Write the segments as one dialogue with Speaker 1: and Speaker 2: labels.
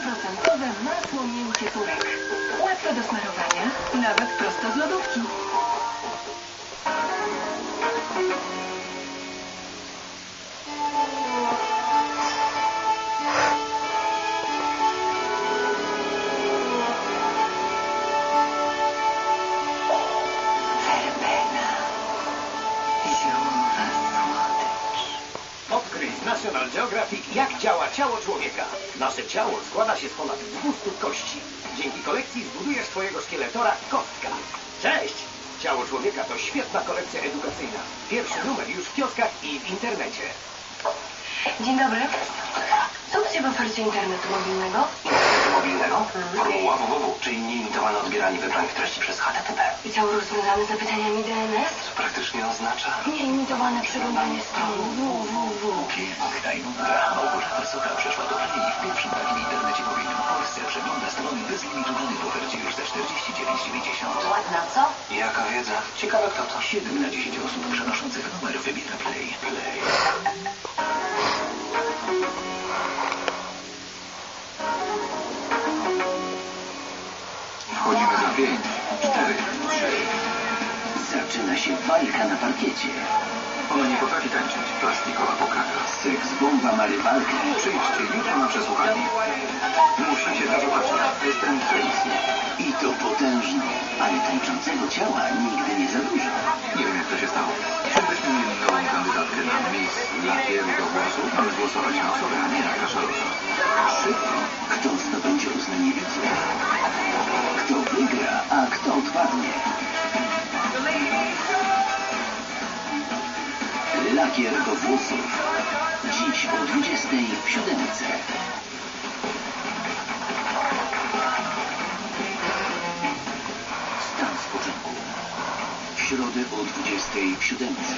Speaker 1: masło miękkie turek. Łatwe do smarowania, nawet prosto z lodówki.
Speaker 2: Odkryj z National Geographic, jak działa ciało człowieka. Nasze ciało składa się z ponad 200 kości. Dzięki kolekcji zbudujesz swojego szkieletora Kostka. Cześć! Ciało człowieka to świetna kolekcja edukacyjna. Pierwszy numer już w kioskach i w internecie.
Speaker 1: Dzień dobry. Co u Ciebie w ofercie internetu mobilnego?
Speaker 3: Internetu mobilnego? Formuła www, czyli nieimitowane odbieranie wybranych treści przez HTTP.
Speaker 1: I cały rozwiązany zapytaniami DNS?
Speaker 3: Co praktycznie oznacza?
Speaker 1: Nieimitowane przeglądanie strony www.
Speaker 3: Piękna i nudna. Małgorzata Socha przeszła do kolei w pierwszym takim internecie mobilnym w Polsce. Przegląda strony bez limitu danych w ofercie już za 49,90.
Speaker 1: Ładna, co?
Speaker 3: Jaka wiedza? Ciekawe kto to. 7 na 10 osób przenoszących numer wybiera Play. Play. Wchodzimy za 5, 4, 3. Zaczyna się walka na parkiecie. Ona nie potrafi tańczyć. Plastikowa pokara. Seks bomba ma rywalkę. Przyjdźcie jutro na przesłuchanie. Musicie to zobaczyć. Jestem Tracy. I to potężno. Ale tańczącego ciała nigdy nie za dużo. Nie wiem jak to się stało. Gdybyśmy mieli nową kandydatkę na Miss Lakier do włosów, mamy głosować na osobę, a nie na kaszalota. Szybko. Kto zdobędzie uznanie widzów? Kto wygra, a kto odpadnie? Lakier do włosów. Dziś o 20 w Siódemce. Stan spoczynku. W środę o 20 w Siódemce.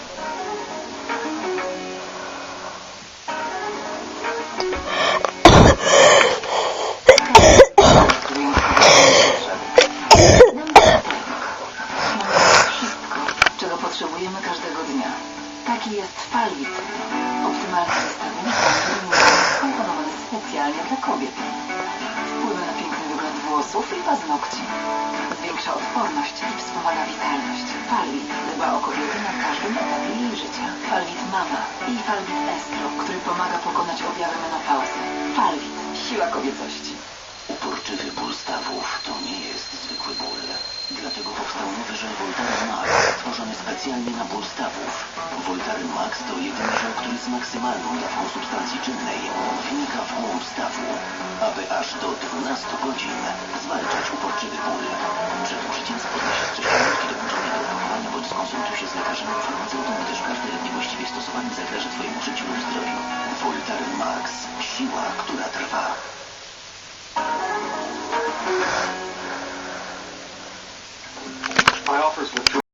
Speaker 1: Czego potrzebujemy każdego dnia. Taki jest Falwit. Optymalny zestawienie, który jest skomponowany specjalnie dla kobiet. Wpływa na piękny wygląd włosów i paznokci. Zwiększa odporność i wspomaga witalność. Falwit dba o kobiety na każdym etapie jej życia. Falwit Mama i Falwit Estro, który pomaga pokonać objawy menopauzy. Falwit. Siła kobiecości.
Speaker 3: Uporczywy ból stawów to nie jest zwykły ból. Dlatego powstał nowy żel Voltaren Max, stworzony specjalnie na ból stawów. Voltaren Max to jedyny żel, który z maksymalną dawką substancji czynnej wnika w głąb stawu, aby aż do 12 godzin zwalczać uporczywy ból. Przed użyciem spotkaj się z prześladunki dołączonej do opakowania bądź skonsultuj się z lekarzem lub farmaceutą, gdyż każdy lek niewłaściwie stosowany zagraża Twojemu życiu lub zdrowiu. Voltaren Max. Siła, która trwa.